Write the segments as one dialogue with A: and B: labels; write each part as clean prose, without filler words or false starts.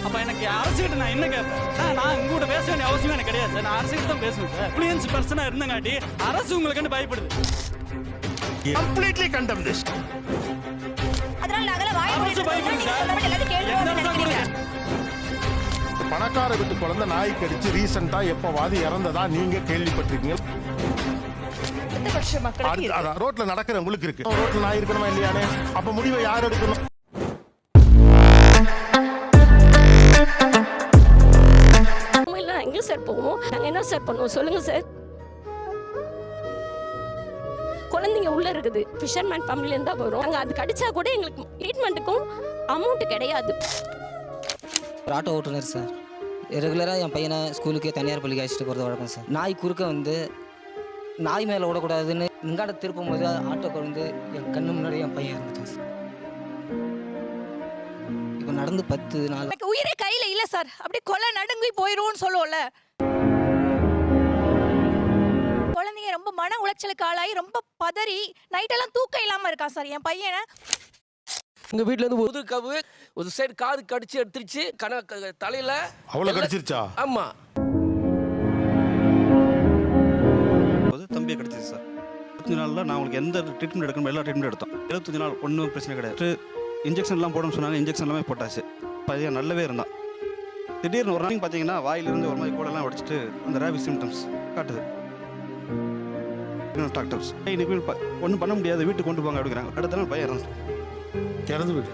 A: அப்ப எனக்கு அரசுகிட்ட நான் என்ன கேட்பேன்? நான் உங்ககிட்ட பேச வேண்டிய அவசியம் எனக்கு கிடையாது சார். நான் அரசுகிட்ட தான் பேசுவேன் சார். இன்ஃப்ளூயன்ஸ் பர்சனா இருந்தங்காட்டி அரசு உங்களுக்கு பயப்படுது.
B: Completely condemn this.
C: அதனால நாங்கள வாய் மூடிட்டு
B: பணக்கார வீட்டு குழந்தை நாய் கடிச்சு ரீசெண்டா எப்ப வாதி இறந்ததா நீங்க கேள்விப்பட்டிருக்கீங்க? ரோட்ல நடக்கிற உங்களுக்கு இருக்கு. ரோட்ல நாய் இருக்கணுமா இல்லையானே? அப்ப முடிவை யார் எடுக்கணும்?
D: எங்க சார் போவோம்? நாங்க என்ன சார் பண்ணுவோம் சொல்லுங்க சார். குழந்தைங்க உள்ள இருக்குது. ஃபிஷர்மேன் ஃபேமிலில இருந்தா வரும். நாங்க அது கடிச்சா கூட எங்களுக்கு ட்ரீட்மெண்ட்டுக்கும் அமௌண்ட் கிடையாது.
E: ஆட்டோ ஓட்டுநர் சார். ரெகுலராக என் பையனை ஸ்கூலுக்கே தனியார் பள்ளிக்கு அழைச்சிட்டு போகிறது வழக்கம் சார். நாய் குறுக்க வந்து நாய் மேலே ஓடக்கூடாதுன்னு இங்காட திருப்பும் போது ஆட்டோக்கு வந்து என் கண்ணு முன்னாடி என் பையன் இருந்துட்டான் சார். இப்போ நடந்து 10 நாள்
C: எனக்கு உயிரே கையில இல்ல சார். அப்படியே கொலை நடுங்கி போயிரும்னு சொல்லுவோம்ல. குழந்தைங்க ரொம்ப மன உளைச்சலுக்கு ஆளாகி ரொம்ப பதறி நைட்டெல்லாம் தூக்கம் இல்லாம இருக்கான் சார் என் பையனை.
F: உங்க வீட்ல இருந்து ஒரு கவு ஒரு சைடு காது கடிச்சு எடுத்துருச்சு. தலையில
B: அவ்வளவு கடிச்சிருச்சா?
F: ஆமா.
A: தம்பியை கடிச்சிச்சு சார். 25 நாள்ல நான் உங்களுக்கு எந்த ட்ரீட்மெண்ட் எடுக்கணும் எல்லா ட்ரீட்மெண்ட் எடுத்தோம். 25 நாள் ஒன்றும் பிரச்சனை கிடையாது. இன்ஜெக்ஷன்லாம் போடணும்னு சொன்னாங்க. இன்ஜெக்ஷன் எல்லாமே போட்டாச்சு. பையன் நல்லாவே இருந்தான். திடீர்னு ஒரு நாளைக்கு பார்த்தீங்கன்னா வாயிலிருந்து ஒரு மாதிரி கூடெல்லாம் உடச்சிட்டு அந்த ரேபிஸ் சிம்டம்ஸ் காட்டுது. டாக்டர்ஸ் இன்னைக்கு ஒன்றும் பண்ண முடியாது, வீட்டுக்கு கொண்டு போங்க அப்படிங்கிறாங்க. அடுத்த நாள் பையன்
B: இறந்து விடு.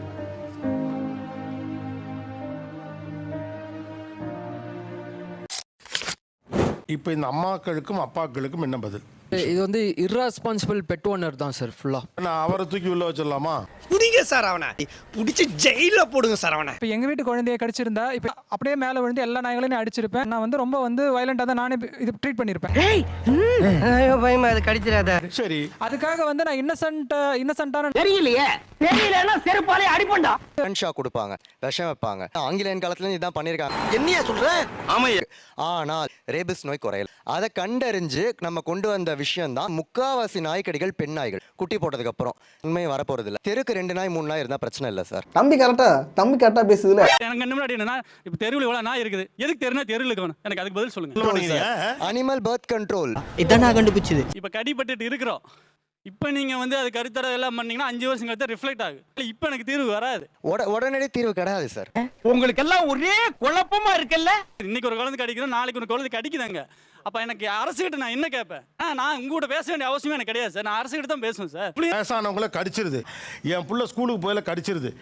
B: இப்போ இந்த அம்மாக்களுக்கும் அப்பாக்களுக்கும் என்ன பதில்?
G: இது வந்து இர்ரெஸ்பான்சிபிள் பெட் ஓனர் தான் சார் ஃபுல்லா.
B: நான் அவரை தூக்கி உள்ள வச்சிடலாமா?
H: புடிங்க சார் அவனை, புடிச்சு ஜெயில போடுங்க சார் அவனை.
I: இப்போ எங்க வீட்டு குழந்தைய கடிச்சிருந்தா இப்போ அப்படியே மேலே விழுந்து எல்லா நாய்களையும் அடிச்சிருப்பேன். நான் வந்து ரொம்ப வயலண்டா தான் நானே இது ட்ரீட் பண்ணிருப்பேன்.
H: ஐயோ பயமா, அது கடிச்சிராத.
B: சரி,
I: அதுக்காக வந்து நான் இன்னசென்ட்டான
H: தெரியலையே, தெரியலன்னா செருப்பாலே அடிப்பண்டா.
J: ஷாக் கொடுப்பாங்க, விஷம் வைப்பாங்க. ஆங்கிலேயன் காலத்துல இதான் பண்ணிருக்காங்க.
H: என்னையா சொல்ற?
J: ஆமையா. ஆனால் ரேபிஸ் நோய் குறையல. அதை கண்டறிஞ்சு நம்ம கொண்டு வந்த விஷயம் தான் முக்காவாசி நாய்க்கடிகள் பெண் நாய்கள் குட்டி போட்டதுக்கு அப்புறம் உண்மை வரப்போறது இல்ல. தெருக்கு 2 நாய் 3 நாய் இருந்தா பிரச்சனை இல்ல சார்.
K: தம்பி கரெக்டா பேசுதுல.
A: எனக்கு என்ன முன்னாடி என்னன்னா இப்ப தெருவுல எவ்வளவு நாய் இருக்குது, எதுக்கு தெருவுல இருக்கணும்? எனக்கு அதுக்கு பதில் சொல்லுங்க.
J: அனிமல் பர்த் கண்ட்ரோல்
H: இதான் நான் கண்டுபிடிச்சது.
A: இப்ப கடிபட்டுட்டு இருக்கிறோம். இப்ப நீங்க வந்து அது கருத்தர எல்லாம் பண்ணீங்கன்னா 5 வருஷம் கழித்து ரிஃப்ளெக்ட் ஆகும். இப்ப எனக்கு தீர்வு வராது.
J: உடனடி தீர்வு கிடையாது சார்.
H: உங்களுக்கு எல்லாம் ஒரே குழப்பமா இருக்குல்ல.
A: இன்னைக்கு ஒரு குழந்தை கடிக்கிறோம், நாளைக்கு ஒரு குழந்தை கடிக்குதாங்க. அப்ப எனக்கு அரசுகிட்ட நான் என்ன கேட்பேன்? நான் உங்ககிட்ட பேச வேண்டிய அவசியம் எனக்கு கிடையாது சார். நான் அரசுகிட்ட தான் பேசுவேன் சார்.
B: வயசானவங்கள கடிச்சிருது. என் புள்ள ஸ்கூலுக்கு போயில கடிச்சிருது.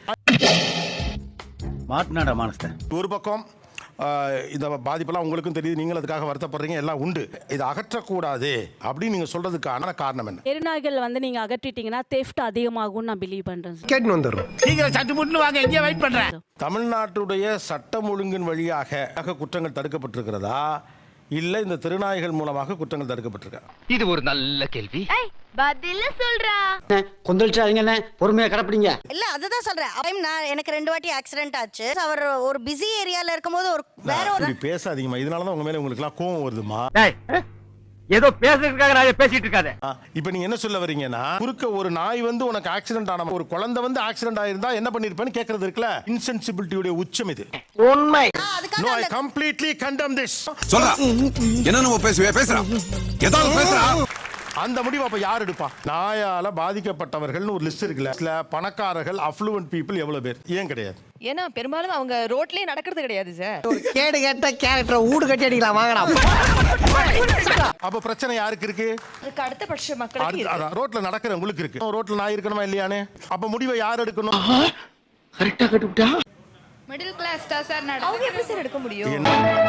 H: மாட்னாடா மானஸ்த.
B: ஒரு பக்கம் இந்த பாதிப்பெல்லாம் உங்களுக்கும் தெரியுது, நீங்களும் அதுக்காக வருத்தப்படுறீங்க, எல்லாம் உண்டு. இதை அகற்றக்கூடாது அப்படின்னு நீங்க சொல்றதுக்கான காரணம் என்ன?
D: தெருநாய்கள் வந்து நீங்க அகற்றிட்டீங்கன்னா தெஃப்ட் அதிகமாகும்னு நான் பிலீவ் பண்றேன்.
H: கேட்டு வந்துடுறோம். சீக்கிரம் சட்டு முட்டு வாங்க, இங்கே வெயிட் பண்றேன்.
B: தமிழ்நாட்டுடைய சட்டம் ஒழுங்கின் வழியாக குற்றங்கள் தடுக்கப்பட்டிருக்கிறதா இல்ல இந்த திருநாய்கள் மூலமாக குற்றங்கள் தடுக்கப்பட்டிருக்கா?
H: இது ஒரு நல்ல கேள்வி.
C: பதில சொல்றா.
H: கொந்தளிச்சாதீங்க, பொறுமையா கடப்பிடிங்க.
C: இல்ல அதுதான் சொல்றேன். எனக்கு 2 வாட்டி ஆக்சிடென்ட் ஆச்சு. அவர் ஒரு பிஸி ஏரியால இருக்கும்போது ஒரு வேற ஒரு
B: பேசாதீங்கம்மா. இதனாலதான் உங்க மேல உங்களுக்கு எல்லாம் கோவம் வருதுமா.
H: ஏதோ பேசுறதுக்காக நான் பேசிட்டு இருக்காதே.
B: இப்ப நீங்க என்ன சொல்ல வரீங்கன்னா, குறுக்க ஒரு நாய் வந்து உனக்கு ஆக்சிடென்ட் ஆன ஒரு குழந்தை வந்து ஆக்சிடென்ட் ஆயிருந்தா என்ன பண்ணிருப்பேன்னு கேக்குறது இருக்குல்ல. இன்சென்சிபிலிட்டியோட உச்சம் இது.
H: உண்மை.
B: No, I completely condemn this.
L: சொல்றா. என்ன நம்ம பேசுறா? ஏதாவது பேசுறா?
B: அந்த முடிவு அப்ப யார் எடுப்பா? நாயால பாதிக்கப்பட்டவர்கள்னு ஒரு லிஸ்ட் இருக்குல்ல. இதுல பணக்காரர்கள் அஃப்ளூவன்ட் பீப்புள் எவ்வளவு பேர்? ஏன் கிடையாது?
C: ஏன்னா பெரும்பாலும் அவங்க ரோட்லயே நடக்கிறது கிடையாது சார்.
H: கேடு கேட்ட கேரக்டர் ஊடு கட்டி அடிக்கலாம் வாங்கடா.
B: அப்ப பிரச்சனை யாருக்கு இருக்கு?
C: அதுக்கு அடுத்த பட்ச மக்களுக்கு இருக்கு.
B: ரோட்ல நடக்கிற உங்களுக்கு இருக்கு. ரோட்ல நாய் இருக்கணுமா இல்லையானே? அப்ப முடிவை யார் எடுக்கணும்?
H: கரெக்ட்டா கட்டுட்டா.
C: மிடில் கிளாஸ் தான் சார் நடக்குது. அவங்க எப்படி சார் எடுக்க முடியும்?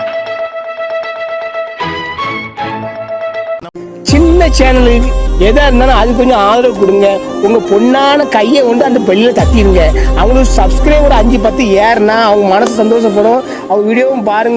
H: சின்ன சேனல் எதா இருந்தாலும் அது கொஞ்சம் ஆதரவு கொடுங்க. உங்க பொண்ணான கையை கொண்டு அந்த பெல்ல தட்டிடுங்க. அவங்களுக்கு சப்ஸ்கிரைபர் 5-10 ஏறுனா அவங்க மனசு சந்தோஷப்படும். அவங்க வீடியோவும் பாருங்க.